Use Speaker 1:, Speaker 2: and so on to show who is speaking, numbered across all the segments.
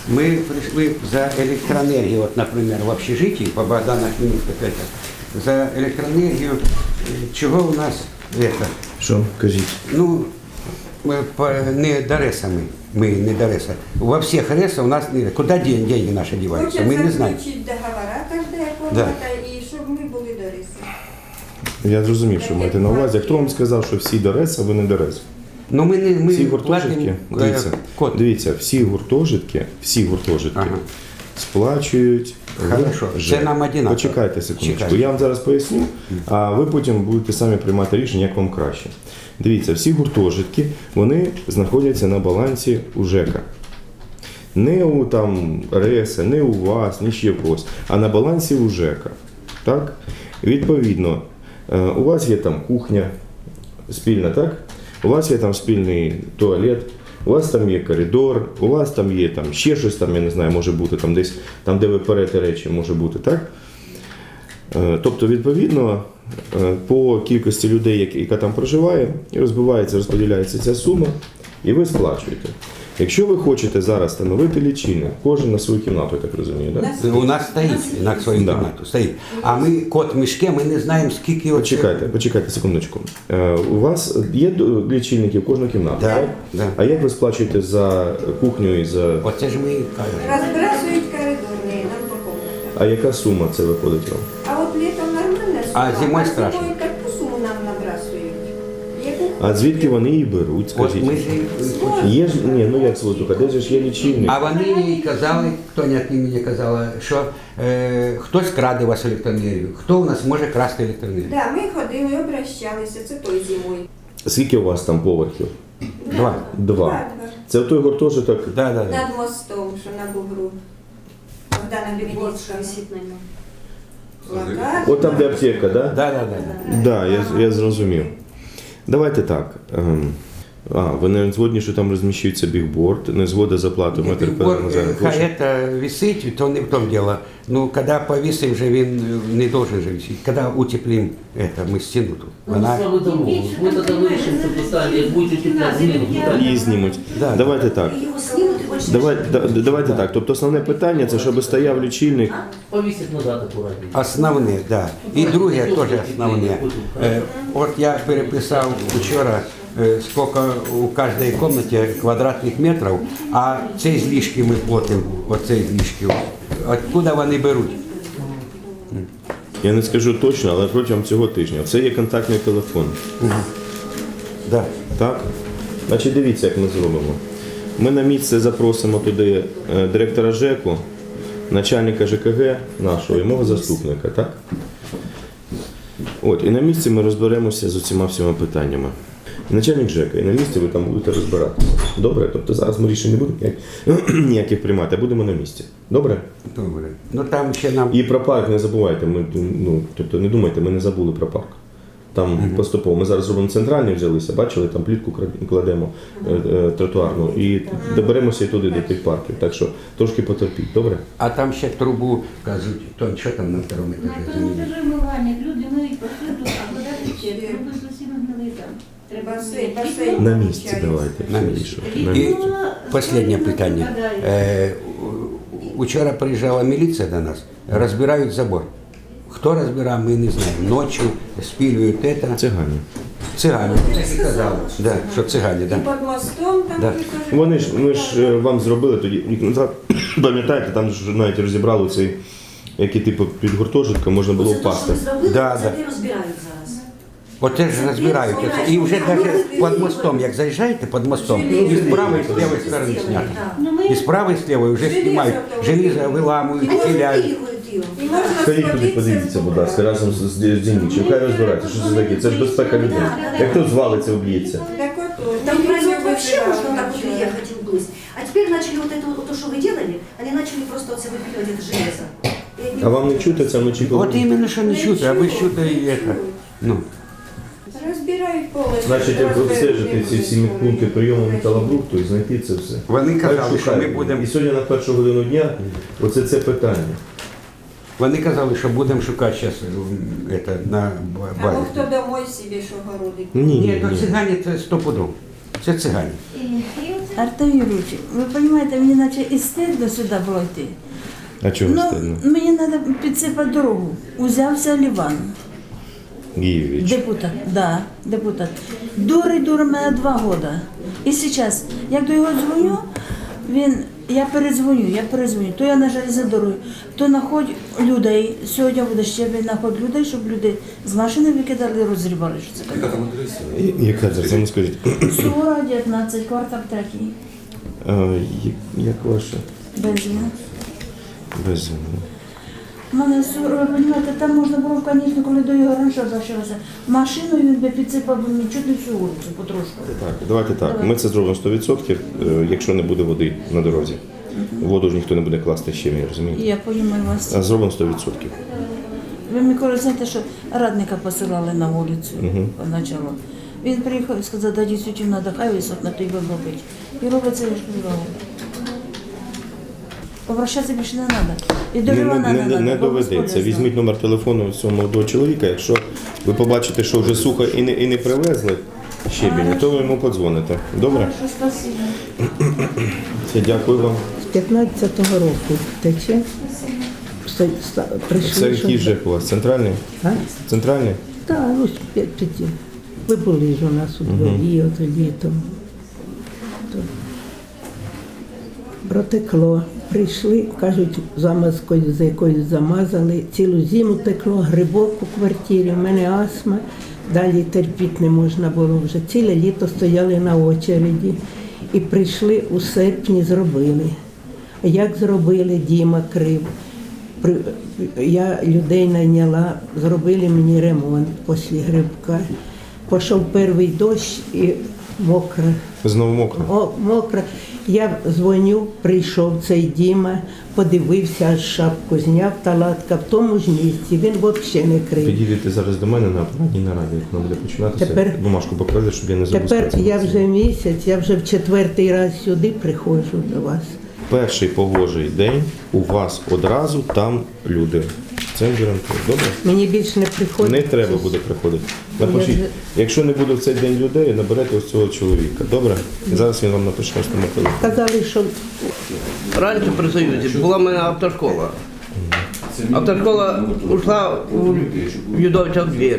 Speaker 1: Мы пришли за электроэнергию, вот, например, в общежитии по Богдана Хмельницкого, за электроэнергию, чего у нас это?
Speaker 2: Що? Кажіть.
Speaker 1: Ну, не до РЭСа мы не до РЭСа. Во всех РЭСа у нас куда деньги наши деваются, мы не знаем.
Speaker 3: Хочуть договора, кожна комната, і щоб ми були до РЕСа.
Speaker 2: Я зрозумів, що маєте на увазі. Хто вам сказав, що всі до РЕС, а ви не до РЕС?
Speaker 1: Ну, ми
Speaker 2: Всі гуртожитки, дивіться, всі гуртожитки
Speaker 1: Ага.
Speaker 2: сплачують.
Speaker 1: Хорошо, це нам одинаково.
Speaker 2: Почекайте секундочку.
Speaker 1: Чекайте.
Speaker 2: Я вам зараз поясню, а ви потім будете самі приймати рішення, як вам краще. Дивіться, всі гуртожитки, вони знаходяться на балансі у ЖЕКа. Не у там РЕСа, не у вас, ні ще в когось, а на балансі у ЖЕКа. Так? Відповідно, у вас є там кухня спільна, так? У вас є там спільний туалет, у вас там є коридор, у вас там є там ще щось, там, я не знаю, може бути там десь, там, де ви перете речі, може бути, так? Тобто, відповідно, по кількості людей, яка там проживає, розбивається, розподіляється ця сума, і ви сплачуєте. Якщо ви хочете зараз встановити лічильник, кожен на свою кімнату, я так розумію, так?
Speaker 1: У нас стоїть на свою кімнату, стоїть. А ми, кот в мішке, ми не знаємо, скільки...
Speaker 2: Почекайте секундочку. У вас є лічильники в кожну кімнату,
Speaker 1: Да,
Speaker 2: так?
Speaker 1: да.
Speaker 2: А як ви сплачуєте за кухню і за...
Speaker 1: Оце ж ми і кажемо.
Speaker 3: Розбрасують коридорні, нам по комнатах.
Speaker 2: А яка сума це виходить вам?
Speaker 3: А от літом нормальна сума,
Speaker 1: А зимою страшно.
Speaker 3: зимою таку суму нам набрасують. Яку
Speaker 2: А звідки вони її беруть,
Speaker 1: От
Speaker 2: скажіть?
Speaker 1: ми ж...
Speaker 2: Є ж, ні, ну як слухайте, де ж є лічильник?
Speaker 1: А вони їй казали, хто не мені казала, що хтось краде у вас електроенергію. Хто у нас може красти електроенергію?
Speaker 3: Да, ми ходили, обращалися, це той зимою.
Speaker 2: Скільки у вас там поверхів?
Speaker 1: Два.
Speaker 2: Два. Це той гуртожиток?
Speaker 1: Да.
Speaker 3: Над мостом, що на бугру. Богдана Хмельницького. Плакат.
Speaker 2: От там, де аптека, так?
Speaker 1: Да.
Speaker 2: Да, я зрозумів. Давайте так. Ви не згодні, що там розміщується бігборд, не згода за плату метр перед
Speaker 1: Хай це висить, то не в тому діло. Ну, коли повісимо, вже він не должен же висіти. Коли утеплимо ми стіну тут. Вона...
Speaker 4: Слава Богу, ми тоді вирішимо це питання, як будете тепло знімуть.
Speaker 2: її знімуть.
Speaker 1: Да.
Speaker 2: Давайте так. Давайте так. Тобто основне питання це, щоб стояв лічильник.
Speaker 4: Повісить назад акуратненько.
Speaker 1: Основне, да. І друге теж основне. От я переписав вчора, скільки у кожній кімнаті квадратних метрів, а ці злишки ми платимо, оці злишки. Откуда вони беруть?
Speaker 2: Я не скажу точно, але протягом цього тижня. Це є контактний телефон.
Speaker 1: Да.
Speaker 2: Так? Значить, дивіться, як ми зробимо. Ми на місце запросимо туди директора ЖЕКу, начальника ЖКГ нашого і мого заступника, так? От, і на місці ми розберемося з усіма всіма питаннями. Начальник ЖЕКа, і на місці ви там будете розбиратися. Добре? Тобто зараз ми рішень не будемо ніяких приймати, а будемо на місці. Добре?
Speaker 1: Добре. Ну там ще нам...
Speaker 2: І про парк не забувайте, тобто не думайте, ми не забули про парк. Там поступово. Ми зараз зробимо центральний, взялися, бачили, там плітку кладемо тротуарну і доберемося і туди до тих парків. Так що трошки потерпіть, добре?
Speaker 1: А там ще трубу, кажуть, то що там на второму
Speaker 5: На
Speaker 1: етажі?
Speaker 5: тому етажі вмивання, люди миють посуду, а вода тече, труби зовсім гнили там. Треба
Speaker 3: Басейн.
Speaker 2: На місці давайте.
Speaker 1: На
Speaker 2: все
Speaker 1: місці.
Speaker 2: вирішувати.
Speaker 1: І останнє питання. Учора приїжджала міліція до нас, розбирають забор. Хто розбирає, ми не знаємо. Ночі спілюють це.
Speaker 2: Цигани.
Speaker 1: Цигани. Казали, да, що цигани, да.
Speaker 3: І під мостом там
Speaker 1: Да.
Speaker 3: теж.
Speaker 2: Ми ж вам зробили тоді, рік назад, пам'ятаєте, там ж навіть розібрали цей, який типу під гуртожитком можна було впасти.
Speaker 1: Да.
Speaker 6: Це розбирають зараз.
Speaker 1: Оце ж розбирають. І вже навіть під мостом, як заїжджаєте під мостом, і з правої, і з лівої сторони знято. І з правої, і з лівої вже знімають. Желізо виламують, хиляють.
Speaker 3: І можна
Speaker 2: Ходіть туди, подивіться, будь ласка, разом з Дінічем. Хай розбирається, що це таке. Це ж безпека людей. Як хто звалиться, уб'ється.
Speaker 3: Так от,
Speaker 6: Там
Speaker 3: міліцію
Speaker 6: производ вообще
Speaker 3: вибирали.
Speaker 6: можно так вот приехать вблизь. А теперь начали вот это вот, то, что вы делали, они начали просто вот себе выпиливать это железо. И
Speaker 2: А вам не чути це вночі?
Speaker 1: От іменно, що не чути, а ви чути і це. Ну.
Speaker 3: Розбирають повністю.
Speaker 2: Значить, як обстежити ці всі пункти прийому металобрухту і знайти це все.
Speaker 1: Вони казали, що ми
Speaker 2: Шукаємо.
Speaker 1: будемо...
Speaker 2: І сьогодні на першу годину дня оце це питання.
Speaker 1: Вони казали, що будемо шукати зараз на
Speaker 3: Або
Speaker 1: базі.
Speaker 3: хто домой собі що городить.
Speaker 1: Ні, то цигані це стопудов. Це цигані.
Speaker 5: І оце Артем Юрійович, ви розумієте, мені наче і стидно сюди було йти.
Speaker 2: А чого
Speaker 5: Ну,
Speaker 2: стидно?
Speaker 5: мені треба підсипати дорогу. Узявся Ліван.
Speaker 2: Гієвич.
Speaker 5: Депутат, да, депутат. Дурить мене 2 роки. І зараз, як до його дзвоню, я передзвоню. То я на железній дорозі, то знаходь людей. Сьогодні буде щебень, знаходь людей, щоб люди з машини викидали, розрібали. Що це таке.
Speaker 2: Яка це? Ну скажіть.
Speaker 5: Сура, 19, квартал 3.
Speaker 2: Як ваше?
Speaker 5: Бензин.
Speaker 2: Без.
Speaker 5: У мене, ви розумієте, там можна було, звісно, коли до його раніше залишилося, машиною він би підсипав би мені чуть не всю вулицю, потрошку.
Speaker 2: Так, давайте так. Ми це зробимо 100%, якщо не буде води на дорозі. Воду ж ніхто не буде класти ще, розумієте?
Speaker 5: Я розумію вас.
Speaker 2: А зробимо 100%.
Speaker 5: Ви мені коли знаєте, що радника посилали на вулицю поначалу. Він приїхав і сказав, да дійсно треба, хай висок на той робить. І робить це, я ж казала. Обращатися більше не треба. І до Івана не треба.
Speaker 2: Не доведеться. Візьміть номер телефону цього молодого чоловіка. Якщо ви побачите, що вже сухо і не привезли щебінь, то ви йому подзвоните. Добре?
Speaker 5: Хорошо, спасибо.
Speaker 2: Все, дякую вам.
Speaker 7: З 15-го року тече.
Speaker 2: Це
Speaker 7: Прийшли,
Speaker 2: який ЖЕК у вас? Центральний?
Speaker 7: А?
Speaker 2: Центральний?
Speaker 7: Так, ось 5. Ви були ж у нас у дворі, ото літом. То протекло. Прийшли, кажуть, замазкою з якоюсь замазали. Цілу зиму текло, грибок у квартирі, у мене астма. Далі терпіти не можна було вже. Ціле літо стояли на очереді. І прийшли у серпні, зробили. А як зробили, Діма Крив. Я людей найняла, зробили мені ремонт після грибка. Пішов перший дощ і мокро.
Speaker 2: Знову мокро.
Speaker 7: Мокро. Я дзвоню, прийшов цей Діма, подивився, аж шапку зняв, талатка в тому ж місці. Він взагалі не крив.
Speaker 2: Підійдете зараз до мене на апаратній нараді, як воно буде починатися. Бумажку поклади, щоб я не забув.
Speaker 7: Тепер
Speaker 2: сказати.
Speaker 7: я вже місяць, я вже в 4-й раз сюди приходжу до вас.
Speaker 2: Перший погожий день у вас одразу там люди. Це гарантую. Добре?
Speaker 7: Мені більше не приходить.
Speaker 2: Не треба буде приходити. Напишіть,
Speaker 7: вже-
Speaker 2: якщо не буде в цей день людей, наберете ось цього чоловіка. Добре? І зараз він вам напише на телефон.
Speaker 7: Казали, що
Speaker 4: Раніше при Союзі була в мене автошкола. Автошкола ушла у Юдовича в двір.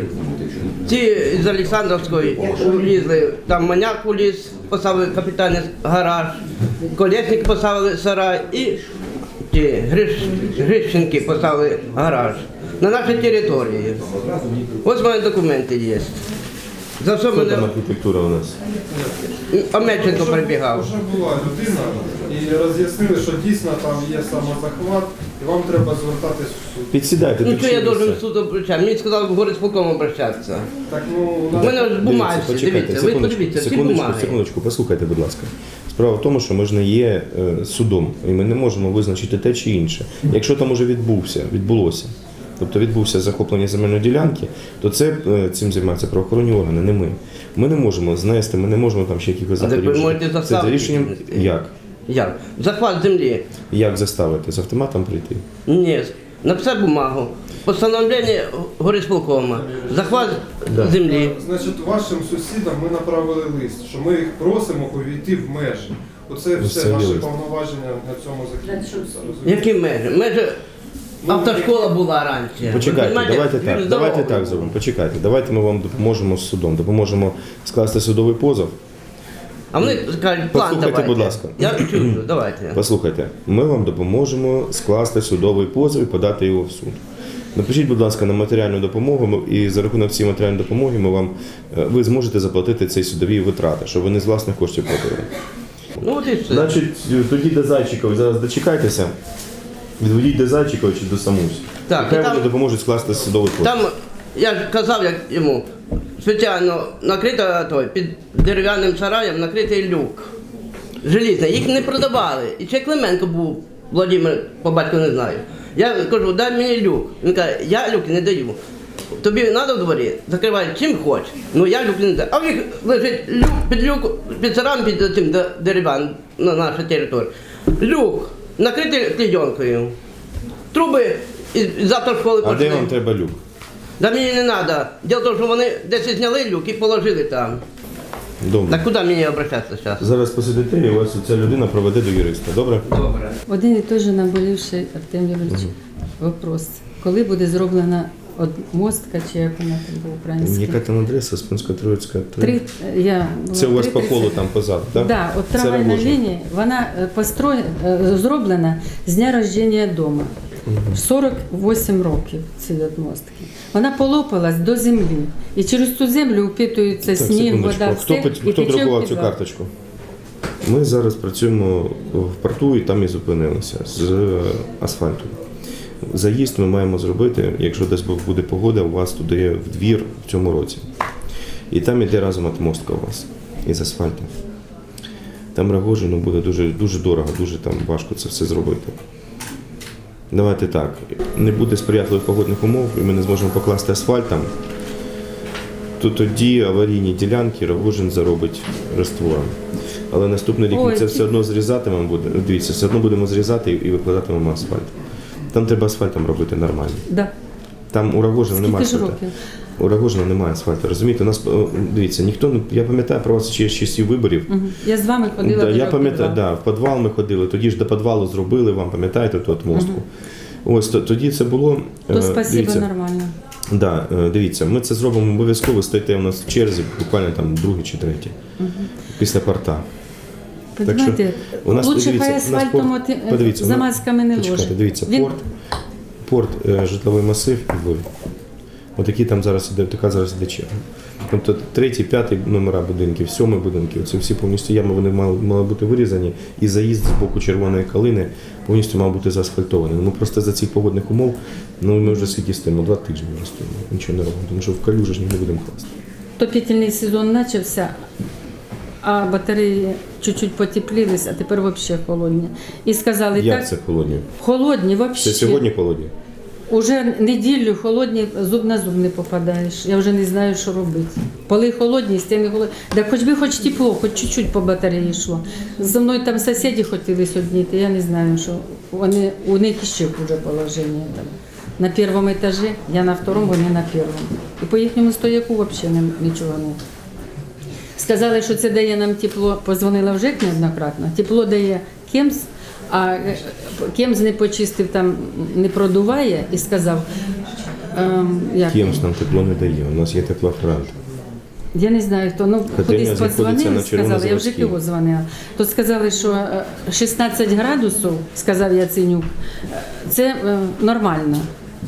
Speaker 4: Ці з Олександровської влізли, там маняк уліз, поставили капітальний гараж, колесник поставили сарай і ті Грищенки поставили гараж на нашій території. Ось мої документи є. За що
Speaker 2: Хто там
Speaker 4: мене
Speaker 2: архітектура у нас?
Speaker 4: Омельченко прибігав.
Speaker 8: Вже була людина і роз'яснили, що дійсно там є самозахват, і вам треба звертатись в суд.
Speaker 2: Підсідайте,
Speaker 4: Ну що я
Speaker 2: підсідайте.
Speaker 4: должен в суд обращатися? Мені сказали в горисполком обращатися.
Speaker 8: Так, ну, у
Speaker 4: У
Speaker 8: нас
Speaker 4: мене ж бумаги,
Speaker 2: почекайте,
Speaker 4: дивіться, ви подивіться, всі бумаги.
Speaker 2: секундочку, послухайте, будь ласка. Справа в тому, що ми ж не є судом, і ми не можемо визначити те чи інше. Якщо там уже відбулося, тобто відбувся захоплення земельної ділянки, то цим займаються правоохоронні органи, не ми. Ми не можемо знести, ми не можемо там ще якихось
Speaker 4: А так ви
Speaker 2: заходів.
Speaker 4: можете
Speaker 2: Це за
Speaker 4: заставити
Speaker 2: рішенням
Speaker 4: знести.
Speaker 2: як?
Speaker 4: Як? Захват землі.
Speaker 2: Як заставити? З автоматом прийти?
Speaker 4: Ні. Написати бумагу. Постановлення горисполкома. Захват землі.
Speaker 8: Значить, вашим сусідам ми направили лист, що ми їх просимо увійти в межі. Оце
Speaker 2: Ну,
Speaker 8: все
Speaker 2: це
Speaker 8: наші
Speaker 2: лист.
Speaker 8: повноваження на цьому закінчуються. розумієте?
Speaker 4: Які межі? Межі автошкола була раніше.
Speaker 2: Почекайте,
Speaker 4: Ви
Speaker 2: давайте
Speaker 4: розумієте,
Speaker 2: так, давайте
Speaker 4: дорогою.
Speaker 2: так зробимо. Почекайте, давайте ми вам допоможемо з судом, допоможемо скласти судовий позов.
Speaker 4: А вони кажуть, план
Speaker 2: Послухайте,
Speaker 4: давайте.
Speaker 2: будь ласка.
Speaker 4: Я чую, давайте.
Speaker 2: Послухайте, ми вам допоможемо скласти судовий позов і подати його в суд. Напишіть, будь ласка, на матеріальну допомогу, і за рахунок цієї матеріальної допомоги ви зможете заплатити ці судові витрати, щоб ви не з власних коштів платили.
Speaker 4: Ну от і все.
Speaker 2: Значить, тоді до Зайчикова зараз дочекайтеся, відведіть до Зайчикова чи до Самусь.
Speaker 4: Так,
Speaker 2: і хай
Speaker 4: і там-
Speaker 2: вони допоможуть скласти судовий позов.
Speaker 4: Там, я ж казав як йому, спеціально накрито під дерев'яним сараєм накритий люк. Желізний. Їх не продавали. І ще Клименко був, Владимир, по батьку не знаю. Я кажу, дай мені люк. Він каже, я люки не даю. Тобі треба в дворі, закривай чим хоч. Ну я люк не даю. А в них лежить люк, під сараєм, під цим дерев'яним на нашій території. Люк, накритий клейонкою. Труби із автошколи
Speaker 2: А де
Speaker 4: пішли.
Speaker 2: вам треба люк?
Speaker 4: Да мені не треба. Діло в тому, що вони десь зняли люк і положили там.
Speaker 2: Добре.
Speaker 4: Так куди мені обращатися зараз?
Speaker 2: Зараз посидите і вас ця людина проведе до юриста. Добре?
Speaker 4: Добре.
Speaker 9: Один і той же наболівший, Артем Юрійович, вопрос. Коли буде зроблена мостка, чи як вона там по-українськи?
Speaker 2: Яка там адреса? Спинсько-Троїцька 3? Це у вас по колу там позаду, так?
Speaker 9: Да, от
Speaker 2: Це
Speaker 9: трамвайна
Speaker 2: Рогожин.
Speaker 9: лінія, вона зроблена з дня рождення дому. 48 років ці от мостки. Вона полопалась до землі. І через ту землю впитується
Speaker 2: Так,
Speaker 9: сніг,
Speaker 2: секундочку.
Speaker 9: вода,
Speaker 2: Хто,
Speaker 9: все, і
Speaker 2: хто
Speaker 9: тече в
Speaker 2: друкував цю
Speaker 9: підвал.
Speaker 2: карточку? Ми зараз працюємо в порту і там і зупинилися з асфальту. Заїзд ми маємо зробити, якщо десь буде погода, у вас туди в двір в цьому році. І там іде разом отмостка у вас із асфальту. Там Рогожину буде дуже дорого, дуже там важко це все зробити. Давайте так, не буде сприятливих погодних умов і ми не зможемо покласти асфальт там, то тоді аварійні ділянки Рогожин заробить раствором. Але наступний рік ми це все одно зрізатимемо, дивіться, все одно будемо зрізати і викладатимемо асфальт. Там треба асфальтом робити нормально.
Speaker 9: Да.
Speaker 2: Там у Рогожина немає
Speaker 9: Скільки ж
Speaker 2: асфальту.
Speaker 9: років?
Speaker 2: У Рогожина немає асфальту. Розумієте, у нас, дивіться, ніхто, я пам'ятаю про вас ще з часів виборів.
Speaker 9: Мгм. Я з вами ходила
Speaker 2: Да,
Speaker 9: до
Speaker 2: я пам'ятаю,
Speaker 9: підвалу.
Speaker 2: в підвал ми ходили, тоді ж до підвалу зробили вам, пам'ятаєте, ту отмостку. Ось тоді це було.
Speaker 9: То спасибо,
Speaker 2: дивіться,
Speaker 9: нормально.
Speaker 2: да, дивіться, ми це зробимо обов'язково, стоїте у нас в черзі, буквально там другий чи третій, після порта.
Speaker 9: Понимаете,
Speaker 2: у нас,
Speaker 9: лучше
Speaker 2: дивіться,
Speaker 9: хай
Speaker 2: у нас
Speaker 9: асфальтом
Speaker 2: порт- подивіться, у нас-
Speaker 9: замазками не
Speaker 2: Почекайте,
Speaker 9: ложить.
Speaker 2: дивіться,
Speaker 9: Він-
Speaker 2: порт, житловий масив і Львів. Отакі там зараз іде, така зараз іде черга. Тобто 3, 5 номера будинків, 7 будинків, це всі повністю ями, вони мали бути вирізані, і заїзд з боку Червоної калини повністю мав бути заасфальтований. Ну просто за цих погодних умов, ми вже скільки стоїмо, 2 тижні вже стоїмо, нічого не робимо, тому що в калюжі ж не будемо класти.
Speaker 9: Топітельний сезон почався, а батареї чуть-чуть потеплілись, а тепер взагалі холодні. І сказали,
Speaker 2: Як
Speaker 9: так,
Speaker 2: це холодні?
Speaker 9: холодні взагалі.
Speaker 2: Це сьогодні холодні?
Speaker 9: Уже неділю холодні, зуб на зуб не попадаєш. Я вже не знаю, що робити. Поли холодні, стіни холодні. Так хоч би хоч тепло, хоч чуть-чуть по батареї йшло. Зі мною там сусіди хотіли сьогодні, я не знаю, що у них ще хуже положення. Там. На першому етажі, я на второму, вони на першому. І по їхньому стояку взагалі нічого не. Сказали, що це дає нам тепло, позвонила в ЖЕК неоднократно, тепло дає Кемс, а Кемс не почистив, там не продуває і сказав, як?
Speaker 2: Кимсь нам тепло не дає, у нас є теплофронт.
Speaker 9: Я не знаю, хто, ну
Speaker 2: Котельня
Speaker 9: кудись
Speaker 2: знаходиться
Speaker 9: подзвонили,
Speaker 2: на
Speaker 9: сказали, я вже
Speaker 2: Червонозаводській.
Speaker 9: його дзвонила. То сказали, що 16 градусів, сказав Яценюк, це нормально.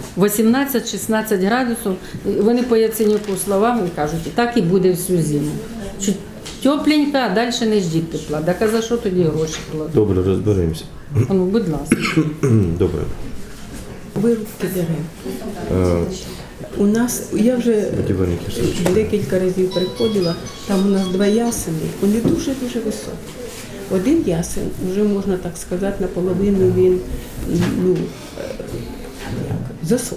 Speaker 9: 18-16 градусів, вони по Яценюку словам і кажуть, так і буде всю зиму. Чуть тепленько, а далі не ждіть тепла. Так а за що тоді гроші кладуть?
Speaker 2: Добре, розберемося.
Speaker 9: Ну, будь ласка.
Speaker 2: Добре.
Speaker 10: Вирубки дерев. У нас, я вже
Speaker 2: Будівельники срочно.
Speaker 10: декілька разів приходила, там у нас 2 ясени, вони дуже-дуже високі. Один ясен, вже можна так сказати, наполовину він засох.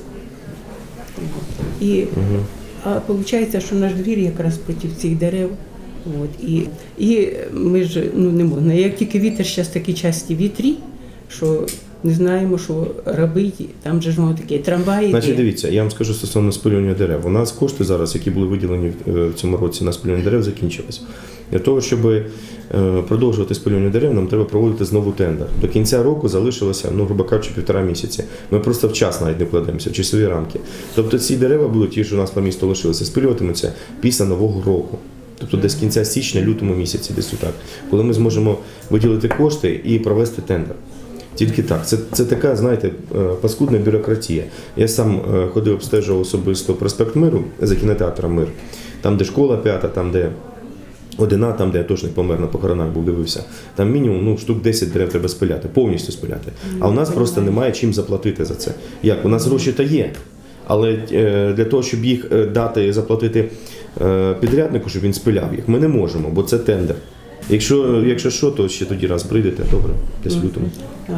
Speaker 10: І виходить, що наш двір якраз проти цих дерев. От, і ми ж не можна. Як тільки вітер, зараз такі часті вітрі, що не знаємо, що робити. Там же ж воно таке трамваї.
Speaker 2: Значить, дивіться, я вам скажу стосовно спилювання дерев. У нас кошти зараз, які були виділені в цьому році на спилювання дерев, закінчились. Для того, щоб продовжувати спилювання дерев, нам треба проводити знову тендер. До кінця року залишилося, грубо кажучи, 1,5 місяці. Ми просто вчасно навіть не вкладаємося, в часові рамки. Тобто ці дерева будуть, ті, що у нас по місту лишилися, спилюватимуться після Нового року. Тобто десь кінця січня, лютому місяці, десь отак. Коли ми зможемо виділити кошти і провести тендер. Тільки так. Це така, знаєте, паскудна бюрократія. Я сам ходив, обстежував особисто проспект Миру за кінотеатром Мир. Там, де школа 5, там, де Одина, там, де я точно помер на похоронах був, дивився. Там мінімум штук 10 дерев треба спиляти, повністю спиляти. А у нас просто немає чим заплатити за це. Як? У нас гроші то є. Але для того, щоб їх дати, заплатити підряднику, щоб він спиляв їх, ми не можемо, бо це тендер. Якщо що, то ще тоді раз прийдете, добре, десь в лютому.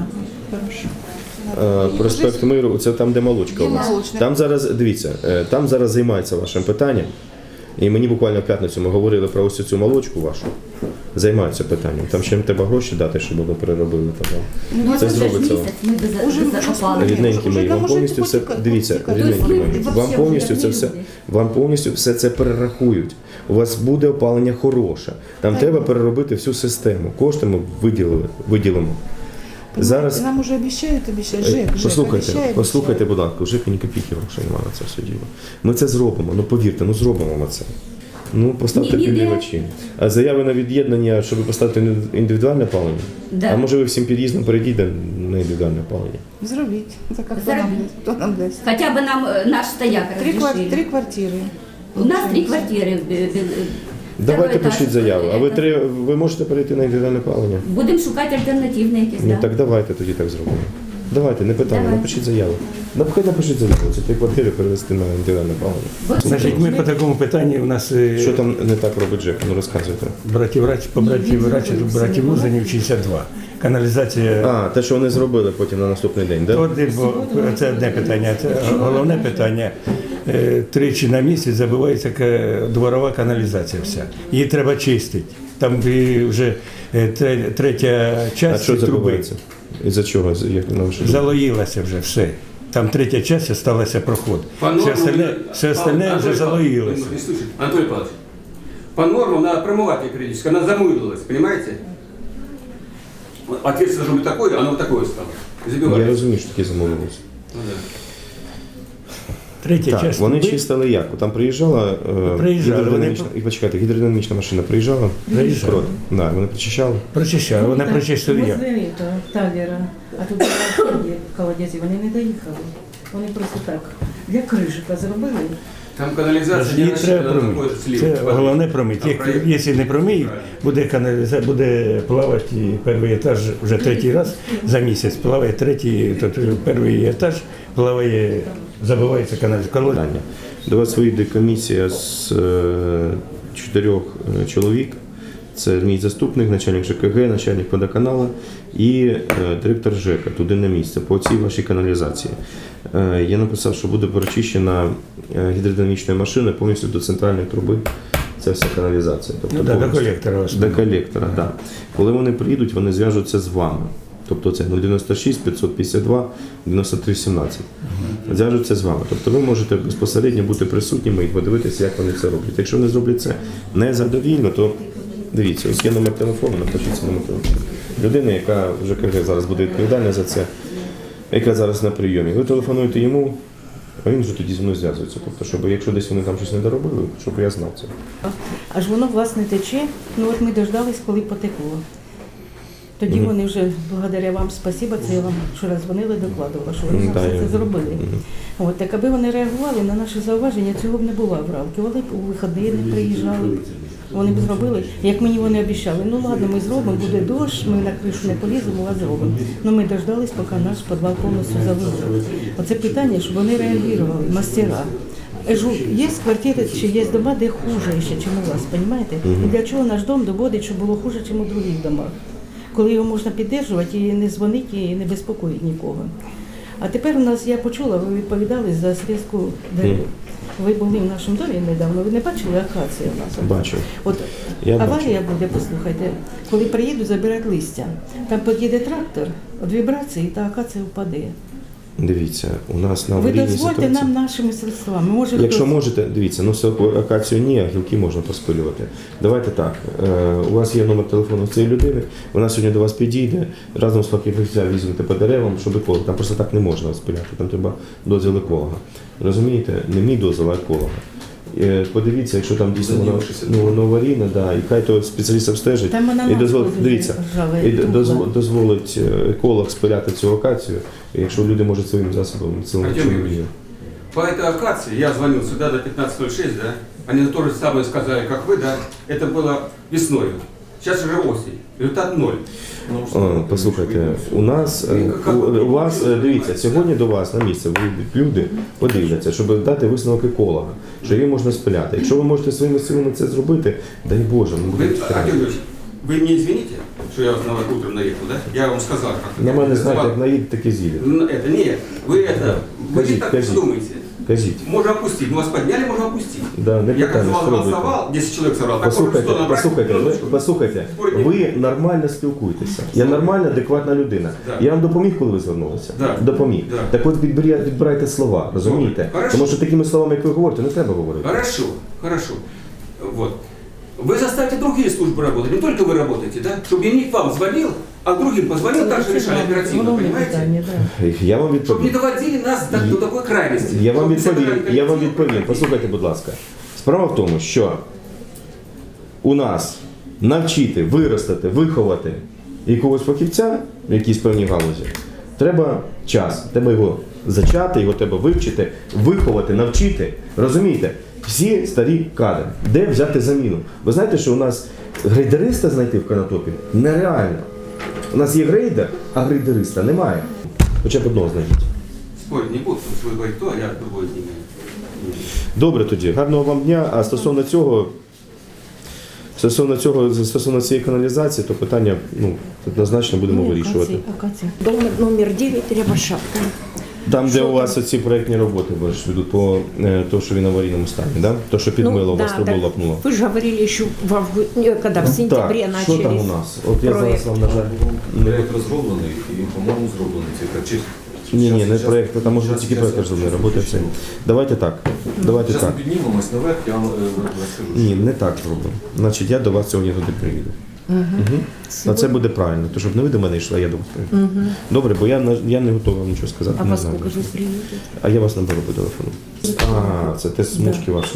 Speaker 2: Проспект Миру, це там, де молочка у нас. Там зараз, дивіться, там зараз займаються вашим питанням. І мені буквально в п'ятницю ми говорили про ось цю молочку вашу. Займаються питанням. Там ще треба гроші дати, щоб воно переробили. Це зробиться. Рідненькі мої, вам повністю все, дивіться, рідненькі мої, вам повністю все це перерахують. У вас буде опалення хороше. Там треба переробити всю систему. Кошти ми виділимо. Зараз
Speaker 11: Нам уже обіцяють, ЖЕК
Speaker 2: послухайте, будь ласка, вже ні копійки грошей немає на це все діло. Ми це зробимо, ну повірте, ну зробимо ми це. Ну, поставте підігрівачі. А заяви на від'єднання, щоб поставити індивідуальне опалення?
Speaker 12: Да.
Speaker 2: А може ви всім під'їздом перейдете на індивідуальне опалення?
Speaker 11: Зробіть. Так, а
Speaker 12: Зробіть.
Speaker 11: хто нам дасть?
Speaker 12: Хотя бы нам наш стояк разрешили.
Speaker 11: 3 квартири.
Speaker 12: У нас 3 квартиры.
Speaker 2: Давайте
Speaker 12: Второй
Speaker 2: пишіть
Speaker 12: этаж.
Speaker 2: заяву. А ви можете перейти на індивідуальне опалення?
Speaker 12: Будемо шукати альтернативне якесь.
Speaker 2: Ну
Speaker 12: да.
Speaker 2: так давайте тоді так зробимо. Давайте, не питання,
Speaker 12: Давайте.
Speaker 2: напишіть заяву. Хай напишіть заяву, це 3 квартири перевести на індивідуальне опалення.
Speaker 1: Значить, ми по такому питанню у нас
Speaker 2: Що там не так робить ЖЕК? Ну розказуйте.
Speaker 1: братів Лузанів 62. Каналізація.
Speaker 2: А, те, що вони зробили потім на наступний день, так?
Speaker 1: Це одне питання. Це головне питання. Тричі на місяць забивається дворова каналізація вся. Її треба чистити. Там вже третя
Speaker 2: А
Speaker 1: частина
Speaker 2: що
Speaker 1: труби
Speaker 2: забувається? Із-за чого? Як на вашу думку?
Speaker 1: залоїлася вже все. Там третя частина залишилася проход. Все остальне вже залоїлося.
Speaker 13: Анатолий Павлович, по нормам надо промывать ее периодически, она замылилась, понимаете? Отверстие должно быть такое, оно вот такое стало.
Speaker 2: Я
Speaker 13: Забивается.
Speaker 2: розумію, що таке замовилося.
Speaker 13: Ну, да.
Speaker 1: Третя
Speaker 2: Так,
Speaker 1: частина
Speaker 2: вони
Speaker 1: труби
Speaker 2: чистили як? Там приїжджала гідродинамічна, і почекайте, гідродинамічна машина приїжджала?
Speaker 1: Приїжджала.
Speaker 2: Да, вони причищали?
Speaker 1: прочищали. Вони прочистили як?
Speaker 5: Возле Тавера, а тут колодязі, вони не доїхали. Вони просто так для крижика зробили.
Speaker 13: Там канализация
Speaker 1: Її
Speaker 13: не
Speaker 1: треба
Speaker 13: рассчитана на
Speaker 1: промити.
Speaker 13: такой слив.
Speaker 1: Це головне промити. Якщо не промиють, буде каналізація, буде плавати перший етаж вже третій раз за місяць. Плаває перший етаж, плаває, забивається каналізація.
Speaker 2: До вас вийде комісія з 4 чоловік. Це мій заступник, начальник ЖКГ, начальник водоканалу і директор ЖЕКа туди на місце по цій вашій каналізації. Я написав, що буде прочищена гідродинамічною машиною повністю до центральної труби. Це вся каналізація. Тобто
Speaker 1: До колектора.
Speaker 2: До колектора, так. Да. Коли вони приїдуть, вони зв'яжуться з вами. Тобто це 096 552 93 17. Зв'яжуться з вами. Тобто ви можете безпосередньо бути присутніми і подивитися, як вони це роблять. Якщо вони зроблять це незадовільно, то дивіться, ось є номер телефону, напишіться номер телефону. Людина, яка в ЖКГ зараз буде відповідальна за це, яка зараз на прийомі. Ви телефонуєте йому, а він вже тоді зі мною зв'язується. Тобто, щоб якщо десь вони там щось не доробили, щоб я знав це.
Speaker 10: Аж воно, власне, тече. Ну от ми дождались, коли потекло. Тоді вони вже, благодаря вам, спасіба, це я вам вчора дзвонили, докладувала, що вони нам все це зробили. От, так аби вони реагували на наші зауваження, цього б не було в рамки. Вони б у вихідні не приїжджали. Вони б зробили, як мені вони обіцяли. Ну ладно, ми зробимо, буде дощ, ми на кришу не поліземо, а зробимо. Ну ми дождались, поки наш підвал повністю залили. Оце питання, щоб вони реагували, мастера. Є квартири чи є дома, де хуже ще, ніж у вас, розумієте? І для чого наш дом доводить, щоб було хуже, ніж у других домах? Коли його можна підтримувати і не дзвонити, і не безпокоїти нікого. А тепер у нас, я почула, ви відповідали за срізку дерев. Ви були в нашому домі недавно, ви не бачили акацію у нас?
Speaker 2: Бачу.
Speaker 10: От аварія буде, послухайте, коли приїдуть забирати листя. Там під'їде трактор, від вібрації та акація впаде.
Speaker 2: Дивіться, у нас на
Speaker 10: Ви
Speaker 2: аварійній
Speaker 10: дозвольте
Speaker 2: ситуації.
Speaker 10: нам нашими средствами. Може,
Speaker 2: Якщо
Speaker 10: хтось-
Speaker 2: можете, дивіться, ну акацію ні, а гілки можна поспилювати. Давайте так, у вас є номер телефону цієї людини, вона сьогодні до вас підійде, разом з фахівцем візьмете по деревам, щоб еколог. Там просто так не можна спиляти, там треба дозвіл еколога. Розумієте? Не мій дозвіл, а еколога. Подивіться, якщо там дійсно воно аварійне, да, і хай то спеціаліст обстежить
Speaker 10: Там вона
Speaker 2: і
Speaker 10: нас
Speaker 2: дозволить,
Speaker 10: дуже
Speaker 2: дивіться,
Speaker 10: ржаве,
Speaker 2: і
Speaker 10: тухла.
Speaker 2: дозволить еколог спиляти цю акацію, якщо люди можуть своїм засобом цілому
Speaker 13: Артем
Speaker 2: чином.
Speaker 13: Юрьевич, по этой акации я звонил сюда до 15:06, да? Они то же самое сказали, как вы, да? Это было весной. Сейчас уже осень. Результат 0.
Speaker 2: Послухайте, у нас у вас дивіться, сьогодні до вас на місце вийдуть люди, подивляться, щоб дати висновок еколога, що її можна спиляти. Якщо ви можете своїми силами це зробити, дай Боже, ну буде
Speaker 13: Артем Юрьевич, вы меня извините, что я вас на вас утром наехал, да? Я вам сказал, как
Speaker 2: на мене знаєте, як наїдь, так і з'їде.
Speaker 13: Это нет, вы это, вы не так
Speaker 2: Кажіть.
Speaker 13: думаете.
Speaker 2: Кажіть.
Speaker 13: Можно опустить. Мы вас подняли, можно опустить.
Speaker 2: Да, не
Speaker 13: Я как
Speaker 2: питання,
Speaker 13: вас
Speaker 2: спробуйте.
Speaker 13: голосовал, 10 человек собрал. так
Speaker 2: Послухайте,
Speaker 13: можно 100 набрать,
Speaker 2: послухайте, ви нормально спілкуєтеся. Я нормальна, адекватна людина.
Speaker 13: Да.
Speaker 2: Я вам допоміг, коли ви звернулися?
Speaker 13: Да.
Speaker 2: Допоміг.
Speaker 13: Да.
Speaker 2: Так от відбирайте слова, розумієте?
Speaker 13: Хорошо.
Speaker 2: Тому що такими словами, як ви говорите, не треба говорити.
Speaker 13: Хорошо, хорошо. Вот. Вы заставите другие службы работать, не только вы работаете, да? Чтобы я не к вам звонил, а другим позвонил, также решали оперативно, понимаете?
Speaker 2: Я вам
Speaker 13: Чтобы не
Speaker 2: відповім.
Speaker 13: доводили нас до такой крайности.
Speaker 2: Я вам
Speaker 13: Чтобы
Speaker 2: відповім.
Speaker 13: собирали
Speaker 2: Я вам
Speaker 13: коллектив.
Speaker 2: відповім. Послухайте, будь ласка. Справа в тому, що у нас навчити, виростити, виховати якогось фахівця в якійсь певній галузі, треба час. Треба його зачати, його треба вивчити, виховати, навчити. Розумієте? Всі старі кадри. Де взяти заміну? Ви знаєте, що у нас грейдериста знайти в Конотопі нереально. У нас є грейдер, а грейдериста немає. Хоча б одного знайдіть.
Speaker 13: Спорить не буду, потому что вы говорите то, а я другой не имею.
Speaker 2: Добре тоді, гарного вам дня. А стосовно цієї каналізації, то питання однозначно будемо вирішувати.
Speaker 11: Дом номер 9, Рябошапка.
Speaker 2: Там, де у вас оці проєктні роботи ведуть по тому, що він в аварійному стані, да? То, що підмило, у вас трубу лопнуло.
Speaker 11: Вы же говорили еще когда в сентябре
Speaker 2: Так,
Speaker 11: начали.
Speaker 2: що там у нас? От я зараз вам, на жаль,
Speaker 14: Проєкт розроблений і, по-моєму, зроблений цей
Speaker 2: Ні, не проєкт, там може тільки проєкт розроблений, роботи все. Давайте так. Давайте
Speaker 14: Зараз
Speaker 2: так.
Speaker 14: ми піднімемось наверх, я вам розкажу.
Speaker 2: Ні, не так зробимо. Значить, я до вас сьогодні туди приїду. А це буде правильно, то щоб не ви до мене йшли, а я до вас приїду. Добре, бо я не готовий вам нічого сказати.
Speaker 11: А
Speaker 2: не
Speaker 11: во
Speaker 2: знаю.
Speaker 11: сколько же вы приедете?
Speaker 2: А я вас наберу по телефону. А, це те смужки ваші.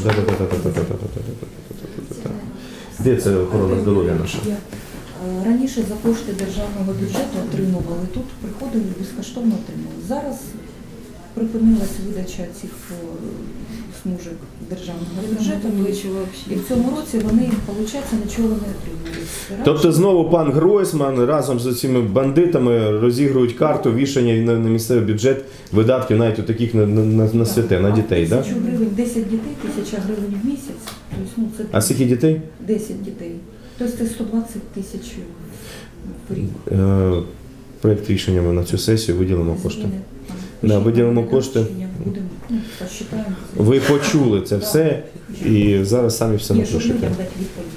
Speaker 2: Де це охорона здоров'я наша?
Speaker 15: Раніше за кошти державного бюджету отримували, тут приходили і безкоштовно отримували. Зараз припинилася видача цих смужок державного бюджету, і в цьому році вони, виходить, нічого не отримали.
Speaker 2: Тобто знову пан Гройсман разом з цими бандитами розігрують карту вішання на місцевий бюджет видатків навіть у таких на святе, на дітей, так?
Speaker 15: 1000 гривень, 10 дітей, 1000 гривень в місяць. Тобто, це
Speaker 2: А скільки дітей?
Speaker 15: 10 дітей. Тобто це 120 тисяч в рік.
Speaker 2: Проєкт рішення ми на цю сесію виділимо кошти. Да, виділимо кошти.
Speaker 15: Будемо, посчитаємо.
Speaker 2: Ви почули це все і зараз самі все
Speaker 15: Ні, щоб
Speaker 2: напишете.
Speaker 15: людям дати відповідь.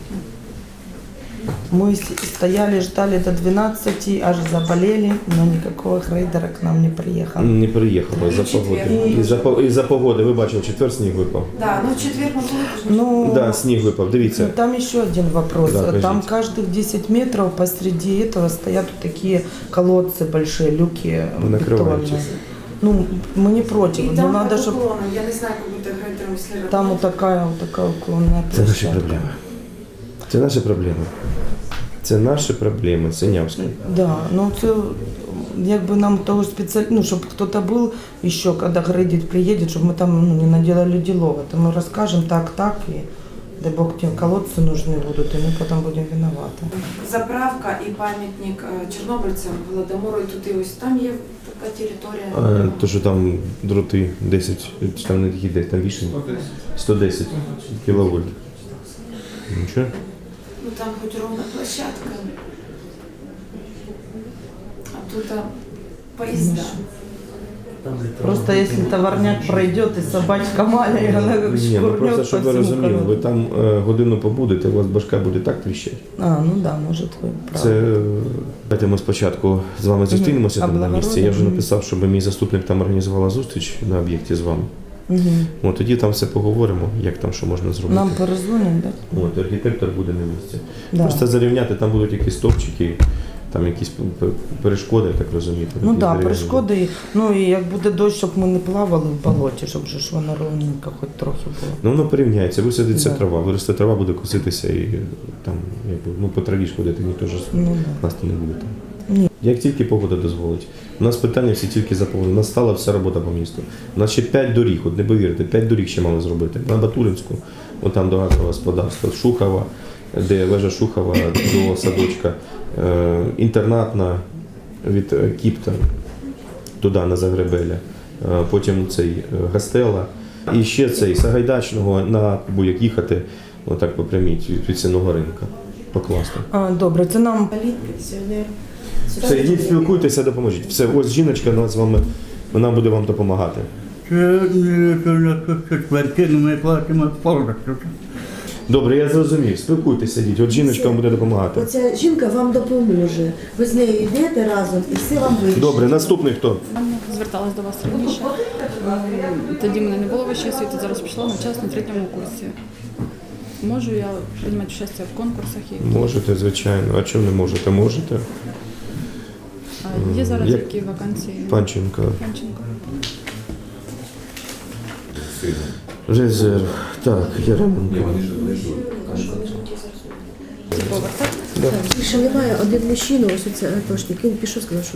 Speaker 16: Мы стояли, ждали до 12, аж заболели, но никакого грейдера к нам не приехал.
Speaker 2: Не приїхало із-за погоди. Із-за погоди, ви бачили, четвер сніг випав.
Speaker 3: Да, ну в четверг мы были.
Speaker 16: Ну,
Speaker 2: Да, сніг випав, дивіться.
Speaker 16: там еще один вопрос.
Speaker 2: Да,
Speaker 16: там
Speaker 2: кажите.
Speaker 16: каждых 10 метров посреди этого стоят вот такие колодцы большие, люки
Speaker 2: Вы накрываете.
Speaker 16: бетонные. Ну, мы не против,
Speaker 3: И
Speaker 16: но
Speaker 3: там
Speaker 16: надо,
Speaker 3: под
Speaker 16: чтобы
Speaker 3: уклоном, я не знаю, как будто грейдером, если
Speaker 16: там вот такая уклонная
Speaker 2: Це наші
Speaker 16: площадка.
Speaker 2: проблеми. Це наші проблеми. Це наші проблеми, Синявська.
Speaker 16: Да, ну це якби нам того спеціально, щоб хтось був ще, коли грейдить приїде, щоб ми там не наделали ділова. То ми розкажемо так, і дай Бог ті колодці нужны будуть, і ми потім будемо винувати.
Speaker 3: заправка і пам'ятник чорнобильцям Голодомору, і тут і ось там є така територія.
Speaker 2: То, що там дроти 10, там не такі 10, там більше 110 кіловольт. Нічого?
Speaker 3: Ну там хоч ровна площадка. А тут поїзда.
Speaker 16: Просто якщо товарняк пройде, і собачка маленька, вона як
Speaker 2: Ні, ну просто
Speaker 16: шкурнет
Speaker 2: щоб
Speaker 16: по
Speaker 2: ви
Speaker 16: всьому
Speaker 2: розуміли, ви
Speaker 16: колодцю.
Speaker 2: там годину побудете, у вас башка буде так тріщати.
Speaker 16: А, ну да, може ви праві.
Speaker 2: Це давайте ми спочатку з вами зустрінемося там на місці. Я вже написав, щоб мій заступник там організувала зустріч на об'єкті з вами. От тоді там все поговоримо, як там що можна зробити.
Speaker 16: Нам перезвонять, так?
Speaker 2: От архітектор буде на місці.
Speaker 16: Да.
Speaker 2: Просто зарівняти, там будуть якісь стовпчики, там якісь перешкоди, так розумієте.
Speaker 16: Ну
Speaker 2: такі
Speaker 16: так,
Speaker 2: дерев'яні.
Speaker 16: перешкоди. Ну і як буде дощ, щоб ми не плавали в болоті, щоб же ж воно ровненько хоч трохи було.
Speaker 2: Ну воно порівняється, висадиться
Speaker 16: Да.
Speaker 2: трава, виросте трава, буде коситися і там, якби, по траві ж ходити, ніхто ж нас то не буде там.
Speaker 16: Ні.
Speaker 2: Як тільки погода дозволить. У нас питання всі тільки заповнені. У нас стала вся робота по місту. У нас ще 5 доріг, от не повірите, 5 доріг ще мали зробити. На Батуринську, от там до газового господарства, Шухова, де вежа Шухова до садочка, інтернатна від Кіпта туди на Загребеля, потім цей Гастела. І ще цей Сагайдачного на Буяк їхати, отак по прямій від Сінного ринка. Покласти.
Speaker 16: А, добре, це нам
Speaker 3: Пенсіонер.
Speaker 2: Все, йдіть, спілкуйтеся, допоможіть. Все, ось жіночка з вами, вона буде вам допомагати.
Speaker 17: Квартиру ми платимо повністю.
Speaker 2: Добре, я зрозумів. Спілкуйтеся, діть. От жіночка вам буде допомагати.
Speaker 6: Оця жінка вам допоможе. Ви з нею йдете разом і все вам вирішить.
Speaker 2: Добре, наступний хто?
Speaker 18: Зверталась до вас раніше. Тоді мене не було вищої освіти, зараз пішла на час на 3-му курсі. Можу я приймати участь в конкурсах?
Speaker 2: Можете, звичайно. А чому не можете? Можете.
Speaker 18: А є зараз які вакансії?
Speaker 2: Панченко.
Speaker 18: Панченко.
Speaker 2: Резерв. Так, Яременко.
Speaker 6: Більше немає, один мужчина, ось оце атошник, він пішов, сказав, що